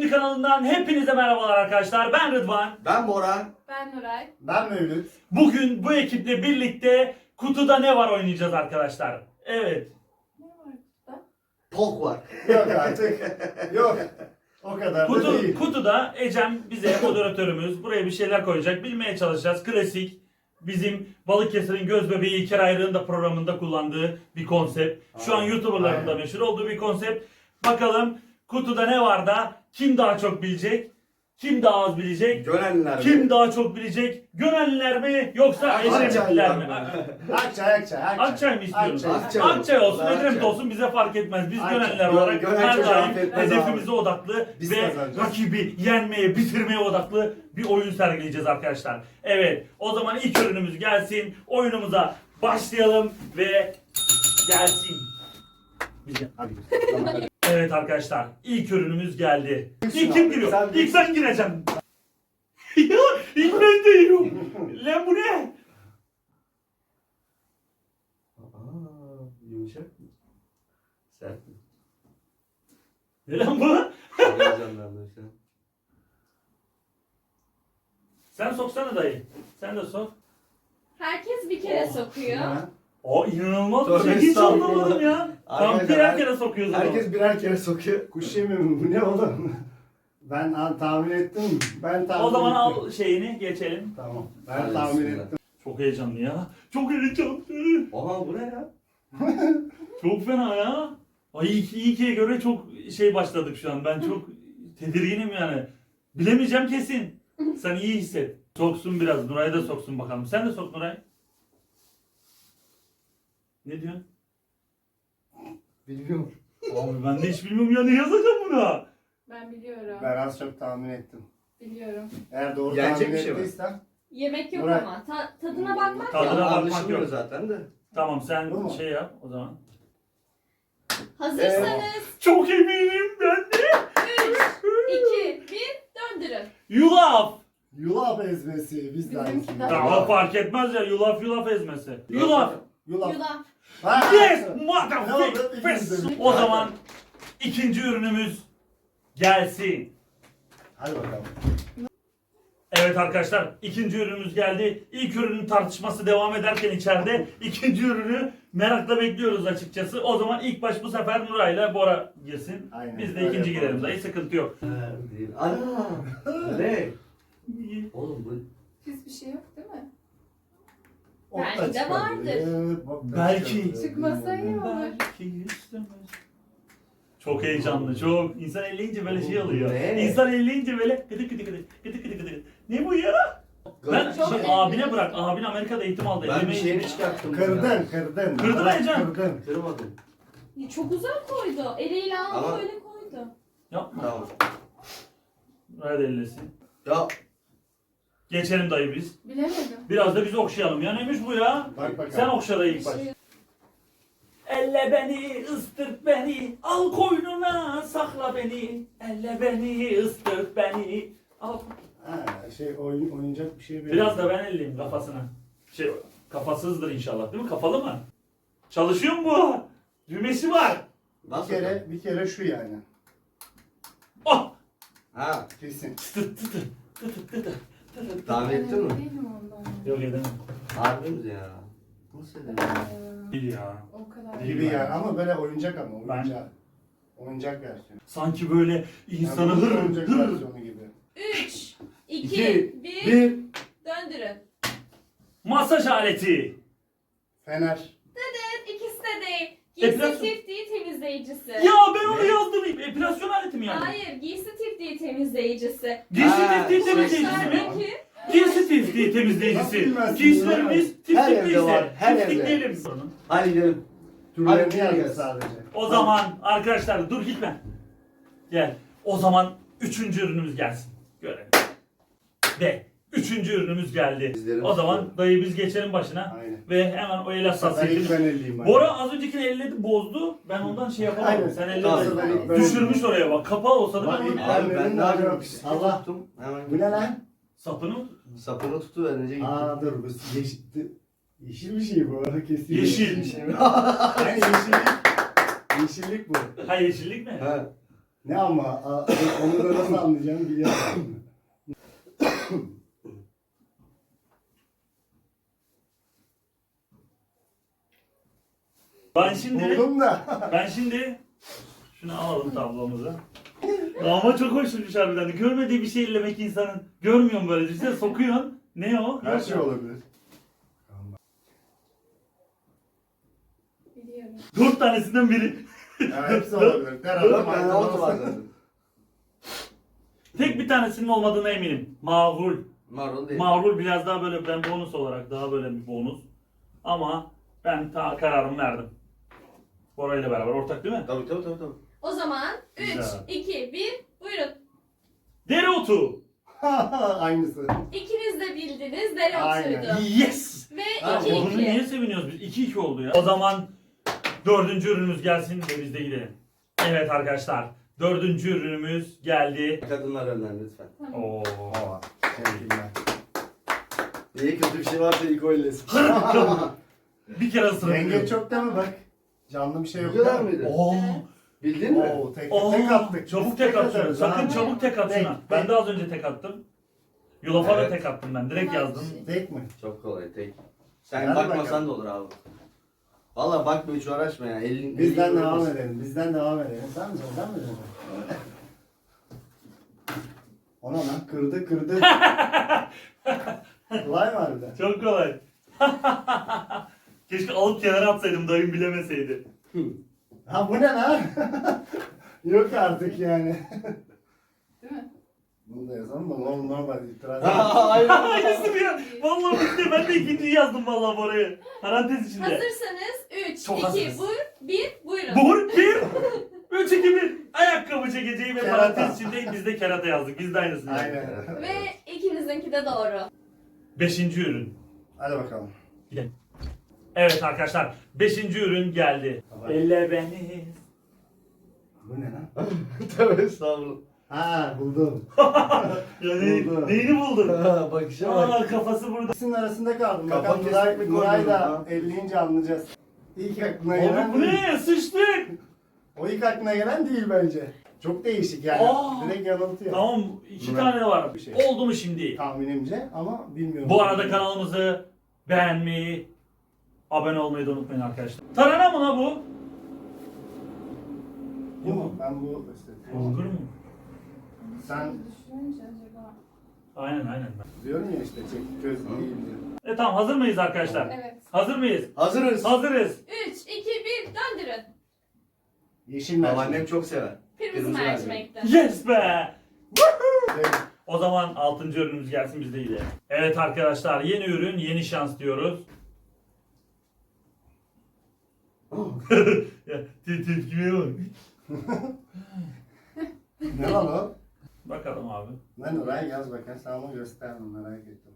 Şimdi kanalından hepinize merhabalar arkadaşlar. Ben Rıdvan. Ben Bora. Ben Nuray. Ben Mevlüt. Bugün bu ekiple birlikte kutuda ne var oynayacağız arkadaşlar. Evet. Ne var burada? Pok var. Yok artık. Yok. O kadar da değil. Kutuda Ecem bize moderatörümüz buraya bir şeyler koyacak. Bilmeye çalışacağız. Klasik bizim Balıkesir'in göz bebeği İlker Ayrık'ın da programında kullandığı bir konsept. Şu an YouTuber'ların da meşhur olduğu bir konsept. Bakalım kutuda ne var da kim daha çok bilecek? Kim daha az bilecek? Gönenliler mi? Kim daha çok bilecek? Gönenliler mi yoksa Ecemlikler mi? Akçay. Akçay mı istiyoruz? Akçay. Akçay olsun, Akçay. Edremit olsun bize fark etmez. Biz Akçay. Gönenliler olarak Gönel her çocuğu daim affetmez hedefimize abi. odaklı Biz ve kazanacağız. rakibi yenmeye, bitirmeye odaklı bir oyun sergileyeceğiz arkadaşlar. Evet, o zaman ilk ürünümüz gelsin. Oyunumuza başlayalım ve gelsin. Evet arkadaşlar, ilk ürünümüz geldi. İlk kim giriyor? Sen İlk ben gireceğim. Ya, ilk ben giriyorum. Lan bu ne? Yumuşak mı? Sert mi? Ne lan bu? Heyecanlandım şu an. Sen soksana dayı. Sen de sok. Herkes bir kere sokuyor. O inanılmaz bir Tövbe şey. Hiç estağfurullah. anlamadım ya. Arkadaşlar, Birer kere sokuyoruz onu. Herkes birer kere sokuyor. Kuş yemi mi? Bu ne oğlum? Ben tahmin ettim. O zaman al şeyini geçelim. Tamam. Ben Hadi tahmin bismillah. ettim. Çok heyecanlı ya. Çok heyecanlı. Aha bu ne ya? Çok fena ya. Ay ikiye göre çok şey başladık şu an. Ben çok tedirginim yani. Bilemeyeceğim kesin. Sen iyi hisset. Soksun biraz. Nuray da soksun bakalım. Sen de sok Nuray. Ne diyorsun? Bilmiyorum. Abi ben de hiç bilmiyorum ya. Ne yazacağım buna? Ben biliyorum. Ben az çok tahmin ettim. Biliyorum. Eğer doğru Yenecek tahmin bir şey mi? ettiysen. Yemek yok Murat. ama. Tadına bakmak Tadına yok. bakmak Anlaşılmıyor yok. zaten de. Tamam sen Bu mu? şey yap o zaman. Hazırsanız Çok eminim ben de. 3, 2, 1 döndürün. Yulaf. Yulaf ezmesi. Biz de aynısını. Bizimki de. Ya o fark etmez ya yulaf ezmesi. Yulaf. Yulaf. Yulaf. Ha! Yes Ne oldu? motherfucker. O zaman ikinci ürünümüz gelsin. Hadi bakalım. Evet arkadaşlar ikinci ürünümüz geldi. İlk ürünün tartışması devam ederken içeride ikinci ürünü merakla bekliyoruz açıkçası. O zaman ilk baş bu sefer Nuray'la Bora girsin. Aynen, Biz de öyle ikinci yapalım. girelim dayı sıkıntı yok. Değil. Ana! Ne? Oğlum bu... Hiçbir şey yok değil mi? Ot da Belki de çıkabilir, vardır. bok da Belki. çıkabilir, Çıkmasa iyi bilmiyorum. olur. Belki istemez. Çok heyecanlı, çok. İnsan elleyince böyle şey oluyor. Ne? İnsan elleyince böyle gıdı gıdı gıdı gıdı gıdı gıdı gıdı. Ne bu ya? Ben Çok şey, eğlenceli. abine bırak. Abin Amerika'da eğitim aldı. Ben bir Ellemeyi- şeyini çıkarttım. Kırdın. Kırdın mı Ecem? Kırdın. Kırmadım. Çok güzel koydu. Eliyle aldı Ama- öyle koydu. Yapma. Tamam. Hadi ellesin. Ya Geçelim dayı biz. Bilemedim. Biraz da biz okşayalım. Ya neymiş bu ya? Bak bakalım. Sen okşa dayı ilk baş. Elle beni, ıstırt beni, al koynuna sakla beni. Elle beni, ıstırt beni, al. Ha, oynayacak bir şey Biraz da ben elleyeyim kafasına. Kafasızdır inşallah değil mi? Kafalı mı? Çalışıyor mu bu? Düğmesi var. nasıl? Bir kere şu yani. Oh! Ha, Kesin. Tıt tıt tıt tıt tıt tıt. tahmin ettin mi? Değilim ondan. Yok edemem. Harbi mi ya? Nasıl edemem? Değil ya. O kadar. Değil. Gibi yani ama böyle oyuncak ama Ben- oyuncak. Oyuncak versiyonu. Sanki böyle insanı Yani hır oyuncak hır. versiyonu gibi. 3, 2, İki, 1 Bir. döndürün. Masaj aleti. Fener. Evet, ikisi de değil. Epilasyon. Giysi tiftiği temizleyicisi. Ya ben onu yazdım. Epilasyon aleti mi yani? Hayır, giysi tiftiği temizleyicisi. Giysi Ha, tiftiği şey- temizleyicisi mi? Başlardaki Giysi tiftiği Nasıl temizleyicisi. bilmezsin Giysilerimiz Her evde tiftikliyse var, her evde. tiftikleyelim. Hadi gidelim. Türlerini Hadi yazdı gel. sadece. O zaman arkadaşlar dur gitme. Gel. O zaman üçüncü ürünümüz gelsin. Görelim. Ve üçüncü ürünümüz geldi. Bizlerin O zaman üstü. dayı biz geçelim başına. Aynen. Ve hemen o el Ben ilk hassasiyetini. ben elliyim. bak. Bora az öncekini elledi bozdu. Ben ondan şey yapamadım. Aynen. Sen Tamam. elledin. Ben- Düşürmüş oraya bak. Kapağı olsa da Bak, ben ilk onu... ben- Abi ben ne yapayım? Allah. Allah. Tuttum. Hemen Bu ne lan? Sapını Sapını tutuverince gittim. Aa dur bu yeşil bir şey bu. Kesin. Yeşil. bir şey. Yani yeşillik. Yeşillik bu. ha yeşillik mi? Ha. Ne ama? Onu da nasıl anlayacağım biliyorum. Buldum da. Ben şimdi şunu alalım tablomuza. Ama çok hoşmuş harbiden. Görmediği bir şey ellemek insanın. Görmüyorum böyle. Düşünsene sokuyorsun. Ne o? Her şey olabilir. Biliyorum. 4 tanesinden biri. Ya hepsi olabilir. Her Dört adam tane aynı altı var olsa. zaten. Tek bir tanesinin olmadığına eminim. Mağrul. Marul değil. Mağrul biraz daha böyle ben bonus olarak daha böyle bir bonus. Ama ben kararımı verdim. Bora ile beraber ortak değil mi? Tabii. O zaman 3, Güzel. 2, 1 buyurun. Dereotu. Aynısı. İkiniz de bildiniz Aynen. dereotuydu. Yes. Ve Ha, 2, Bunu 2. niye seviniyoruz biz? 2-2 oldu ya. O zaman 4. ürünümüz gelsin ve biz de gidelim. Evet arkadaşlar. 4. ürünümüz geldi. Kadınlar önden lütfen. Oo. Aa, teşekkürler. İyi kötü bir şey varsa ilk o illesin. Bir kere ısırıp Yenge çok değil mi bak? Canlı bir şey yok. Bu kadar değil mi? mıydı? Oo. Bildin mi? Oo, tek Oo. attık. Çabuk Biz tek at şunu. atarız Sakın ha. çabuk tek at şuna. Tek, Ben tek. de az önce tek attım. Yulafa da Evet. tek attım ben. Direkt Tamam. yazdım. Tek mi? Çok kolay tek. Sen Hadi bakmasan bakalım. da olur abi. Valla bakma hiç uğraşma ya. Bizden devam edelim. Bizden devam edelim. Sen mi söyleyeceksin? Ona lan kırdı. Kolay mı harbiden? Çok kolay. Keşke alıp kenara atsaydım dayım bilemeseydi. Ha bu ne lan? Yok artık yani. Değil mi? Bunu da yazalım da normal itiraz. Aynen. Aynısı ya. Vallahi bitti. Ben de ikinciyi yazdım vallahi oraya. Parantez içinde. Hazırsanız 3, Çok 2, hazırız. 1 buyurun. Vur 1. 3 2 1. Ayakkabı çekeceği ve Kerata. parantez içinde biz de kerata yazdık. Biz de aynısını yazdık. Aynen. Ve ikinizinki de doğru. 5. ürün. Hadi bakalım. Gidelim. Evet arkadaşlar. 5. ürün geldi. Tamam. Elle beni. Bu ne lan? Tövbe estağfurullah. Ha buldum. Yani Oldu. neyini buldun? Bakışa bak. Aa kafası burada. İkisinin arasında kaldım. Kafa Bakalım Nuray, kestik, Nuray koydum da ha. 50'ince anlayacağız. İlk aklına gelen Abi bu değil. ne? Sıçtık. O ilk aklına gelen değil bence. Çok değişik yani. Aa. Direkt yanıltıyor. Tamam 2 Nuray. tane var. Bir şey. Oldu mu şimdi? Tahminimce ama bilmiyorum. Bu arada kanalımızı beğenmeyi, abone olmayı da unutmayın arkadaşlar. Tarhana mı la bu? Bu mu? Ben bu Bulgur mu? Sen Düşününce acaba. Aynen. diyorum ya işte çekik göz değil diyor. Tamam hazır mıyız arkadaşlar? Evet. Hazır mıyız? Hazırız. Hazırız. 3, 2, 1 döndürün. Yeşil mercimek. Babaannem çok sever. Kırmızı Kırmızı mercimekten. Yes be! Evet. O zaman 6. ürünümüz gelsin biz de gidelim. Evet arkadaşlar yeni ürün yeni şans diyoruz. Ya tepkime bak. Ne lan o? Bakalım abi. Ne Nuray yaz bakayım. Sen onu göster merak ettim.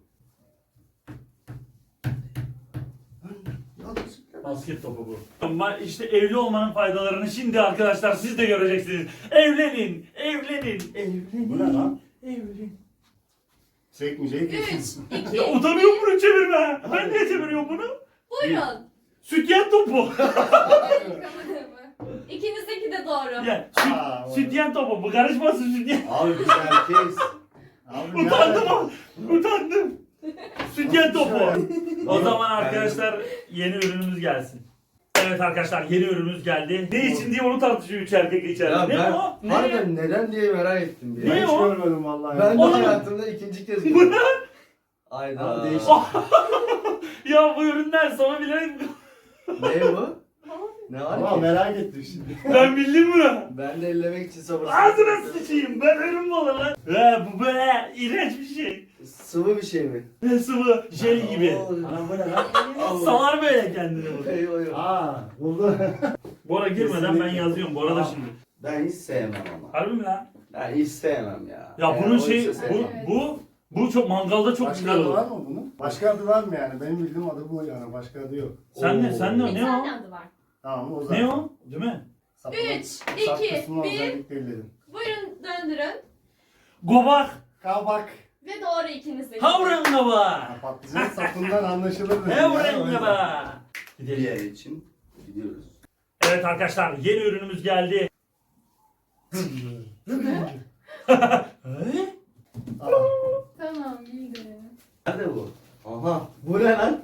Basket topu bu. Ama işte evli olmanın faydalarını şimdi arkadaşlar siz de göreceksiniz. Evlenin, evlenin, evlenin. Bu ne lan? Evlenin. Çekmeyeceği 3, kesin. 2, Ya utanıyorum bunu çevirme. Ben niye çeviriyorum bunu? buyurun. Sütyen topu. İkinizdeki de doğru. Ya Aa, sütyen topu. Bu karışmasın sütyen. Abi biz erkeğiz. Abi Utandım abi. Utandım. Sütyen topu. O Yok, zaman ben- arkadaşlar yeni ürünümüz gelsin. Evet arkadaşlar yeni ürünümüz geldi. Ne için diye onu tartışıyor üç erkek içeride. Ya Ne ben o? Ne? harbiden neden diye merak ettim bir. Ne Ben hiç o? görmedim vallahi. Ben de Oğlum. hayatımda ikinci kez Bu gördüm. ne? Ayda. Abi değişik. Ya bu ürünler sana bilerek Ne bu? Ne Ama var ki? merak ettim şimdi. ben bildim bunu. Ben de ellemek için sabırsızım. Ağzına sıçayım ben ürün mü olur lan? Bu böyle iğrenç bir şey. Sıvı bir şey mi? Ne sıvı şey gibi. Oo. Anam bu ne lan? Salar böyle kendini bu. Eyvah eyvah. Aa buldu. Bora girmeden ben Kesinlikle. yazıyorum bu arada Aa. şimdi. Ben hiç sevmem ama. Harbi mi lan? Ben hiç sevmem ya. Ya bunun o şey işi sevmem. bu çok mangalda çok Başka güzel adı var olur. mı bunun? Başka adı var mı yani? Benim bildiğim adı bu yani. Başka adı yok. Sen ne? Oo. Sen ne? Bir Ne tane o? adı var. Tamam o zaman. Ne o? Değil mi? Sapının- 3, sap 2, kısmına 1 özellikle elledim. buyurun döndürün. Gobak. Kabak. Ve doğru ikinizdeki. Kavran gobak. Ha, patlıcan sapından anlaşılır. dedim ya, Kavran o yüzden. gobak. Bir yer için gidiyoruz. Evet arkadaşlar yeni ürünümüz geldi. Aa, Tamam bildim. Nerede bu? Aha. Bu ne lan?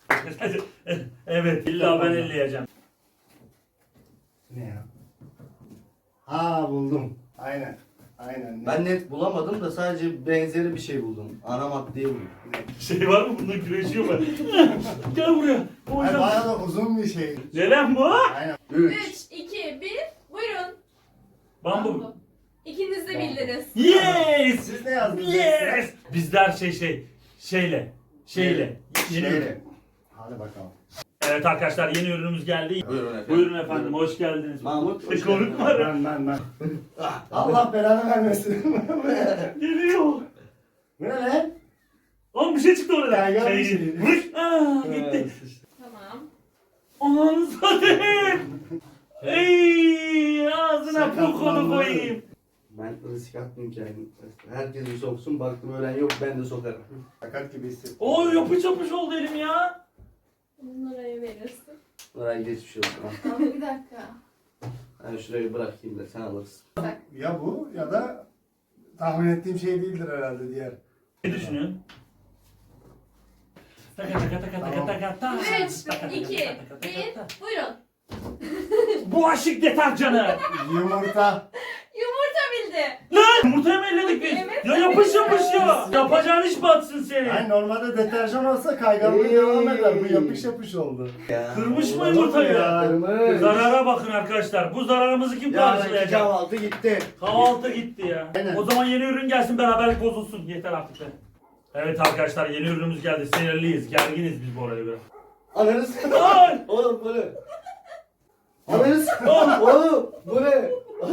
Evet, illa ben elleyeceğim. ne ya? Ha buldum. Aynen. Aynen. Ben net bulamadım da sadece benzeri bir şey buldum. Ana maddeyi buldum. Şey var mı? Bundan güreşiyor mu? Gel buraya. Ay, Hocam. bayağı da uzun bir şey. Ne lan bu? Aynen. 3. 3, 2, 1. Buyurun. Bambu. İkiniz de bildiniz. Yes! Siz ne yazdınız? Yes! Bizler şeyle. Yeni ürün. Şeyle. Hadi bakalım. Evet arkadaşlar yeni ürünümüz geldi. Buyurun efendim. Buyurun efendim hoş geldiniz. Mahmut, hoş Korkma. Ben. Allah belanı vermesin. Geliyor. Bu ne lan? Oğlum bir şey çıktı orada. Kaygan bir şey. Vuruş. Gitti. Tamam. Ananı satayım. Ey ağzına pokonu koyayım. Ben risk atmayayım kendim. Herkes bir soksun. Baktım ölen yok ben de sokarım. Sakat gibi hissettim. Oo yapış yapış oldu elim ya. Bunları verirsin. Oraya geçmiş olsun. ha. Ama bir dakika. Ben şurayı bırakayım da sen alırsın. Bak. Ya bu ya da tahmin ettiğim şey değildir herhalde diğer. Ne düşünüyorsun? Taka taka taka taka taka taka. 3, 2, 1. Buyurun. Bulaşık deterjanı. Yumurta. Yumurta bildi. Lan yumurtayı mı elledik biz? Evet. Ya yapış yapış ya. Yapacağın iş batsın senin. Yani normalde deterjan olsa kayganlığı devam eder. Bu yapış yapış oldu. Ya. Kırmış mı Olur yumurtayı? ya? Kırmış. Zarara bakın arkadaşlar. Bu zararımızı kim Yarınki karşılayacak? kahvaltı gitti. Kahvaltı gitti ya. Aynen. O zaman yeni ürün gelsin beraberlik bozulsun. Yeter artık be. Evet arkadaşlar yeni ürünümüz geldi. Sinirliyiz. Gerginiz biz bu arada biraz. Ananız. Ay! Oğlum bu ne? Ananız. Oğlum bu ne?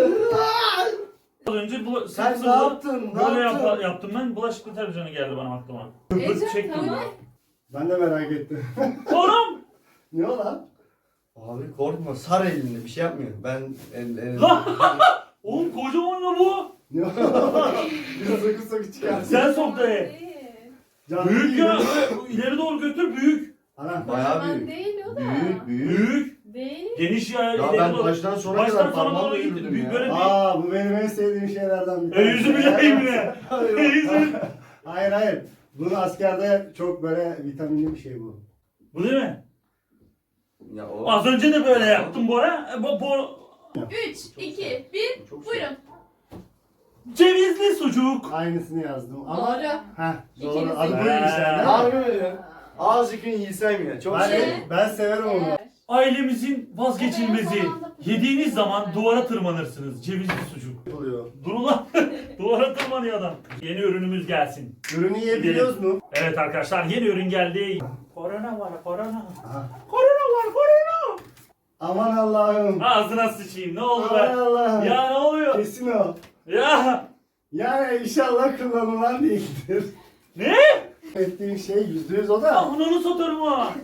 Az önce bu Sen sıvı ne yaptın? Ne böyle yaptın? yaptım ben. Bulaşık deterjanı geldi bana aklıma. Ece çektim tamam. Ben de merak ettim. Oğlum! Ne o lan? Abi korkma sar elini bir şey yapmıyor. Ben Lan! Oğlum kocaman la bu. Ne o? Bir soku soku çıkarsın. Sen sok dayı. Değil. Canlı Büyük değil ya. mi? İleri doğru götür büyük. Ana. bayağı Kocaman büyük. değil o da. Büyük büyük. Büyük. Değil. Geniş ya. Ya ileri ben doğru. baştan sona Baştan kadar sona parmağımla doğru gittim. yürüdüm Büyük ya. böyle bir... Aa bu benim en sevdiğim şeylerden bir Yüzümü yayayım yine. Yüzüm. Hayır. Bunu askerde çok böyle vitaminli bir şey bu. Bu değil mi? Ya o. Az önce de böyle yaptım Bora. Bu 3, 2, 1. Çok Buyurun. cevizli sucuk. Aynısını yazdım ama. Doğru. Heh, doğru. İkiniz Adı de. buymuş yani. Harbi mi ya? Azıcık yiysem ya. Çok Ben, şey. ben severim onu. Ailemizin vazgeçilmezi. Yediğiniz zaman duvara tırmanırsınız. Cevizli sucuk. Oluyor. Dur ulan. Duvara tırmanıyor adam. Yeni ürünümüz gelsin. Ürünü yiyebiliyoruz mu? Evet arkadaşlar yeni ürün geldi. Korona var korona. Aha. Korona var korona. Aman Allah'ım. Ağzına sıçayım ne oldu Aman be? Allah'ım. Ya ne oluyor? Kesin o. Ya. Yani inşallah kullanılan değildir. Ne? Ettiğim şey %100 o da. Ananı satarım ha.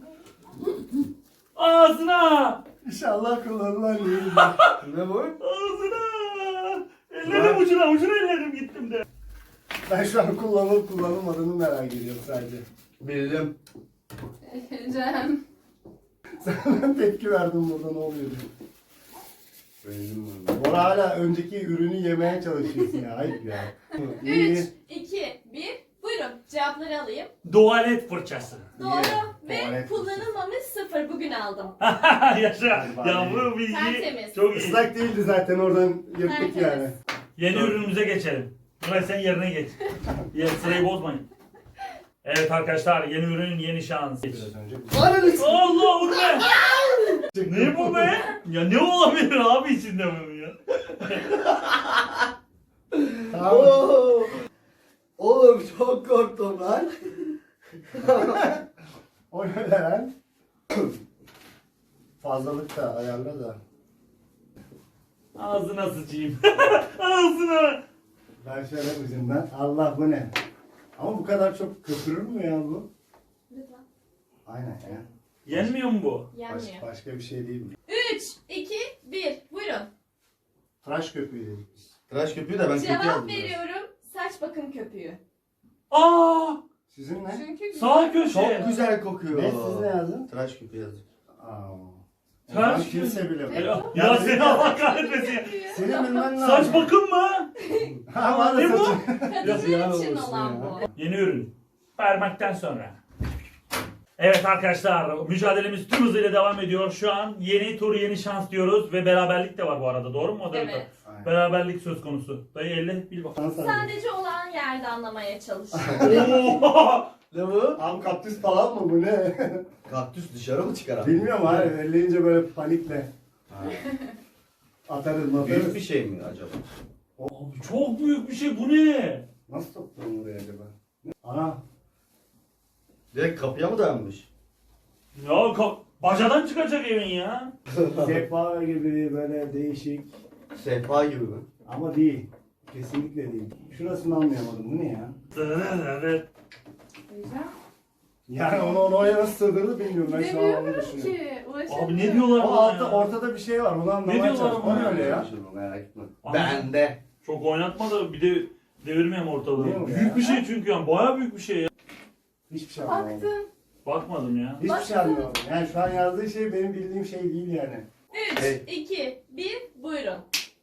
Ağzına. İnşallah kullanılan değildir. Ne bu? Ağzına. Ellerim ucuna ellerim gittim de. Ben şu an kullanılıp kullanılmadığını merak ediyorum sadece. Bildim. Cem. Sen tepki verdin burada ne oluyor diye. Bildim bunu. Bora hala önceki ürünü yemeye çalışıyorsun ya. Ayıp ya. 3, İyi. 2, 1. Buyurun. Cevapları alayım. Tuvalet fırçası. Doğru. Ve Tuvalet kullanılmamış 0 bugün aldım. Yaşa. Hadi Ya bari. bu bilgi Tertemiz. çok iyi. Islak değildi zaten oradan yırttık Tertemiz. yani. Yeni ürünümüze geçelim. Nuray sen yerine geç. Sırayı bozmayın. Evet arkadaşlar yeni ürün yeni şans. Biraz önce. Allah bu ne? Ne bu be? Ya ne olabilir abi içinde bunun ya? Tamam. Oo. Oğlum çok korktum lan. O ne lan? Fazlalık da ayarla da. Ağzına sıçayım. Ağzına. Ben şöyle ucundan. Allah bu ne? Ama bu kadar çok köpürür mü ya bu? Lütfen. Aynen ya. Yenmiyor mu bu? Yenmiyor. Başka bir şey değil mi? 3, 2, 1. Buyurun. Tıraş köpüğü dedik biz. Tıraş köpüğü de ben kötü Cevap yazdım. veriyorum. Saç bakım köpüğü. Aa! Sizin ne? Çünkü Sağ Çok köşe. güzel kokuyor. Ne siz ne yazdın? Tıraş köpüğü yazdım. Aa. Ben Ters kimse bilemez. Ya seni Allah kahretmesin. Senin bilmen lazım. Saç bakım mı? Ha var Ne da bu? saçı. Kadınlar için olan bu. Yeni ürün. Parmaktan sonra. Evet arkadaşlar, mücadelemiz tüm hızıyla devam ediyor. Şu an yeni tur, yeni şans diyoruz ve beraberlik de var bu arada. Doğru mu moderatör? Evet. Aynen. Beraberlik söz konusu. Dayı elle bil bakalım. Sadece olan yerde anlamaya çalış. Oo! Ne bu? Abi kaktüs falan mı bu ne? Kaktüs dışarı mı çıkar abi? Bilmiyorum abi elleyince böyle panikle. Atarız Büyük bir matarız. şey mi acaba? Abi çok büyük bir şey, bu ne? Nasıl soktun oraya acaba? Ana. Direkt kapıya mı dayanmış? Ya bacadan çıkacak evin ya. Sehpa gibi böyle değişik. Sehpa gibi mi? Ama değil. Kesinlikle değil. Şurasını anlayamadım. Bu ne ya? Evet. Yani onu oraya nasıl sığdırdı bilmiyorum. Ben şu an onu Demiyorum düşünüyorum. ki. Abi ne diyorlar O buna altta, ya? ortada bir şey var. Onu anlamaya diyorlar çalışıyorum. O ona ne öyle ya? Merak etme. Ama- Bende. Çok oynatma da bir de devirmeyeyim ortalığı. Değil mi ya? Büyük bir şey çünkü yani, bayağı büyük bir şey ya. Hiçbir şey anlamadım. Baktım. Bakmadım ya. Hiçbir şey anlamadım. Yani şu an yazdığı şey benim bildiğim şey değil yani. 3, Evet. 2, 1, buyurun.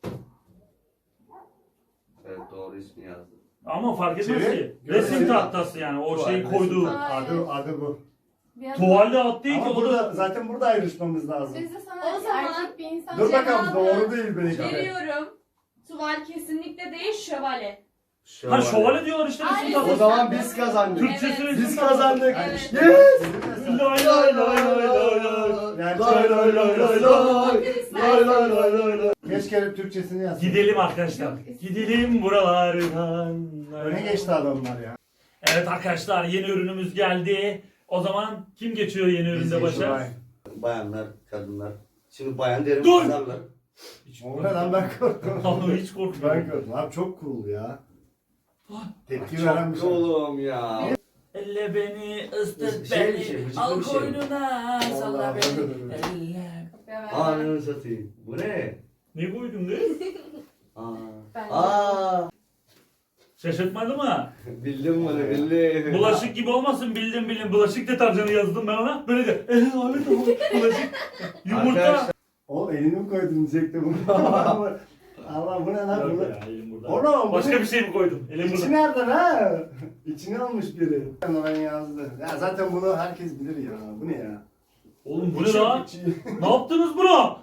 Evet doğru ismi yazdı. Ama fark etmez Çevir. ki. Görelim. Resim tahtası yani, o Tuval, şeyi resim koyduğu. tahtası. Adı bu. Tuvalde at değil ki, Ama o burada, da... zaten burada ayrışmamız lazım. Biz de sana O zaman erkek bir insan Dur bakalım Cevabı doğru değil belki. Veriyorum. Tuval kesinlikle değil, şövalye. Ha şövalye diyorlar işte resim Ay, O tahtası. zaman biz kazandık. Türkçesi Evet. resim Biz tahtası. kazandık. Evet. Yes! Lay lay lay lay lay lay. Yani Lay lay lay lay lay. Lay lay lay lay lay. keşke Türkçesini yazsın. Gidelim arkadaşlar. Gidelim buralardan. Öne geçti adamlar ya. Evet arkadaşlar, yeni ürünümüz geldi. O zaman kim geçiyor yeni üründe başa? Bayanlar, kadınlar. Şimdi bayan derim Dur! kızarlar. O ne lan ben korktum. Abi hiç korkmuyorum. Ben korktum. Abi çok cool ya. Tepki veren bir Çok şey. oğlum ya. Elle beni, ısıt Şey bir beni, şey, bıcık al bir şey. koynuna, salla Vallahi. beni. Elle. Ananı satayım. Bu ne? Ne koydun kız? Aa. Ben- Aa. Şaşırtmadı mı? Bildim bunu bildim. Bulaşık gibi olmasın, bildim. Bulaşık deterjanı yazdım ben ona. Böyle de, abi tamam. Bulaşık. Yumurta. Arkadaşlar, O elini mi koydun diyecekti bunu. Allah bu ne lan Yok bunu? ya, elim burada. Oğlum bu Başka ne? bir şey mi koydum? Elim İçi burada. nereden ha? İçini almış biri. Ben yazdı. Ya zaten bunu herkes bilir ya. Bu ne ya? Oğlum bu ne İçi yok, lan? içi. Ne yaptınız buna?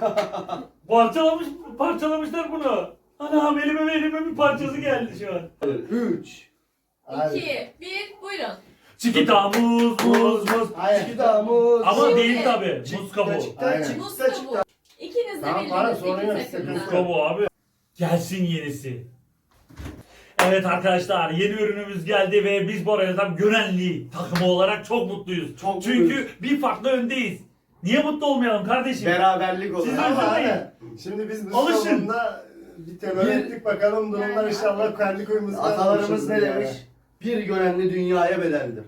Parçalamışlar bunu. Anam elime bir parçası geldi şu an. 3. Abi. 2, 1, buyurun. Çikita muz. Hayır. Çıkıdamız. Ama Şimdi- değil tabi. Muz kabuğu. Aynen. Muz kabuğu. İkiniz de Tamam, bana bildiniz. sorun yok, İkiniz de sıkıntı Muz bildiniz. kabuğu abi. Gelsin yenisi. Evet arkadaşlar, yeni ürünümüz geldi ve biz bu arada tam Gönenli takımı olarak çok mutluyuz. Çok Çünkü bir farklı öndeyiz. Niye mutlu olmayalım kardeşim? Beraberlik olur. Siz Ama üzülmeyin. aynen. Şimdi biz bu Alışın. sonunda bir temel ettik bakalım durumlar inşallah kendi kuyumuzda. Atalarımız ne demiş? Bir Gönenli dünyaya bedeldir.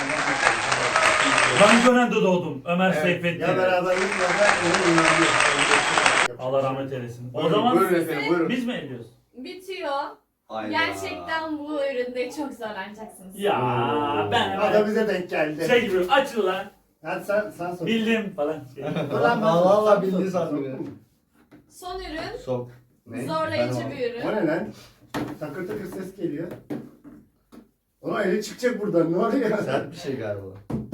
Ben Gönen'de doğdum. Ömer Evet, Seyfettin. Ya beraberlik ya da onun önemli. Allah rahmet eylesin. O Buyurun, zaman buyurun efendim buyurun. biz mi ediyoruz? Bitiyor. Hayda. Gerçekten bu üründe çok zorlanacaksınız. Ya ben O da bize denk geldi. şey gibi açıl lan. Hadi sen sor. Bildim falan. Allah Allah bildiği sandım ya. Son ürün Sok. Ne? zorlayıcı Ben bir ürün. O ne lan? Takır takır ses geliyor. Ona eli çıkacak buradan ne oluyor? Sert bir şey galiba.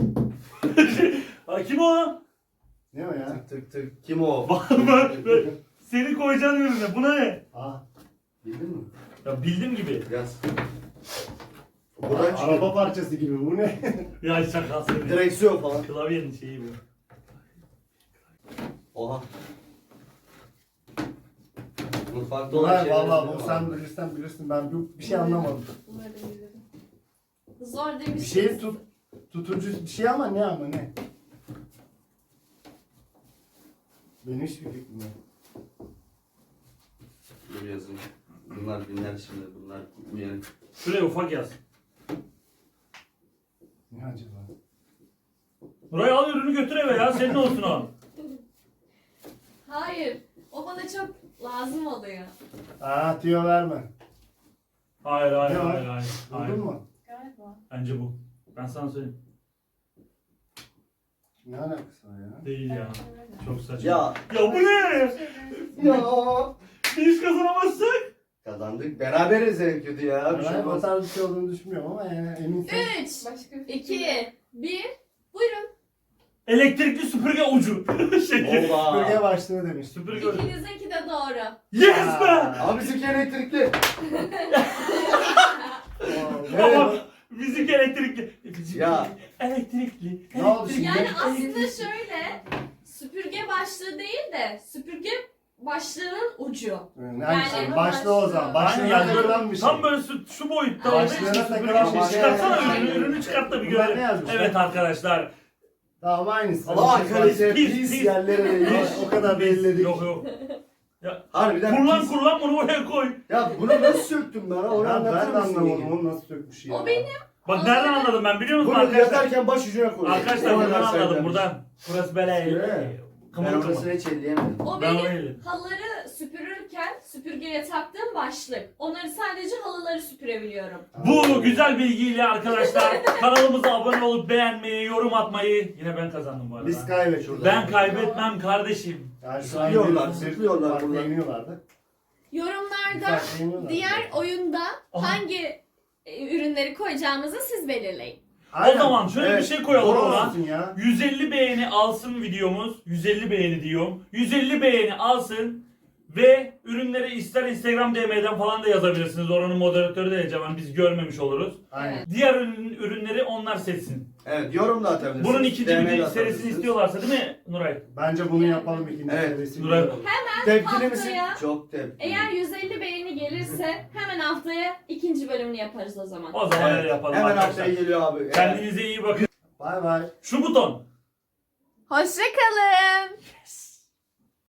Ha, kim o? Ne o ya? Tık tık tık. Kim o? Seni koyacağın ürüne. Bu ne? Aa, Bildin mi? Ya bildim gibi. Yaz. Buradan çıkıyor. araba parçası gibi bu ne? Ya şakası. Direksiyon falan. Klavyenin şeyi bu. Oha. Mutfakta olan Ulan şeyler. valla bu sen bilirsin ben bir şey anlamadım. Bunları da bilirim. Zor Bir demiştiniz. şeyin tutucu bir şey ama ne? Benim hiçbir fikrim yok. Dur yazayım. Bunlar binler şimdi. Bunlar uyanık. Şuraya ufak yaz. Ne acaba? Buraya al ürünü götür eve ya. Senin olsun o. Hayır. O bana çok lazım oluyor. Aa tüyo verme. Hayır. Ne var? Hayır. Buldun mu? Galiba. Bence bu. Ben sana söyleyeyim. Ne alakası var ya? Değil ya. Çok saçma. Ya Ya bu ne? ya Biz kazanamazsak. kazandık. Beraberiz en kötü ya. Bir şey Ben o olmaz. tarz bir şey olduğunu düşünmüyorum ama yani eminsen. 3, Başka bir 2, 1. Buyurun. Elektrikli süpürge ucu. Şey. Bölge başlığı demiş. Süpürge ucu. İkinizinki de doğru. Yes be! Abi bizimki elektrikli. Ama bizimki elektrikli. Bizimki Ya. elektrikli. Ne oldu şimdi? Yani aslında şöyle, süpürge başlığı değil de süpürge başlığının ucu. Hangisi? Yani- Başlığı o zaman. Aynen Başlığına yani takılan bir şey. tam böyle şu boyutta olduğu için Başlığına süpürge takılan şey. bir şey. Çıkartsana Aynen. ürünü çıkart da bir Bunlar ne görelim. yazmış? Evet arkadaşlar. Tamam aynısı. Allah Bir şey kalite Pis, pis pis. yerlere değmiş. O kadar belledik. Yok yok. Harbiden Kurlan pis. kurlan bunu oraya koy. Ya bunu nasıl söktün bana? Onu Ya ben anlatır de mısın? anlamadım Yenge? onu nasıl sökmüş ya. O benim. Bak nereden anladım ben biliyor musun Bunu arkadaşlar? yatarken baş ucuna koy. Arkadaşlar buradan anladım buradan. Burası böyle Evet. Ben kımıl orasını kımıl. hiç elleyemedim. O Ben benim öyle. halıları süpürürken süpürgeye taktığım başlık. Onları sadece halıları süpürebiliyorum. Bu güzel bilgiyle arkadaşlar kanalımıza abone olup beğenmeyi, yorum atmayı. Yine ben kazandım bu arada. Biz kaybettik. Ben kaybetmem kardeşim. Yani şu Zıplıyorlar, bir zıplıyorlar farklı buradan. iniyorlardı. Yorumlarda Farklı iniyorlardı. diğer oyunda Aha. hangi ürünleri koyacağımızı siz belirleyin. O zaman şöyle bir şey koyalım Doğru ona. olsun ya. 150 beğeni alsın videomuz. 150 beğeni diyorum. 150 beğeni alsın ve ürünleri ister Instagram DM'den falan da yazabilirsiniz. Oranın moderatörü de Ecevan, biz görmemiş oluruz. Aynen. Diğer ürünleri onlar seçsin. Evet, yorum da atabilirsiniz. Bunun ikinci DM'de bir serisini atabilirsiniz. istiyorlarsa değil mi Nuray? Bence bunu yapalım ikinci Evet. serisi. Nuray. Tepkili misin? Haftaya- Çok tepkili. Eğer 150 beğeni gelirse hemen haftaya ikinci bölümünü yaparız o zaman. O zaman Evet, öyle yapalım hemen arkadaşlar. haftaya geliyor abi. Evet. Kendinize iyi bakın. Bay bay. Şu buton. Hoşça kalın. Yes.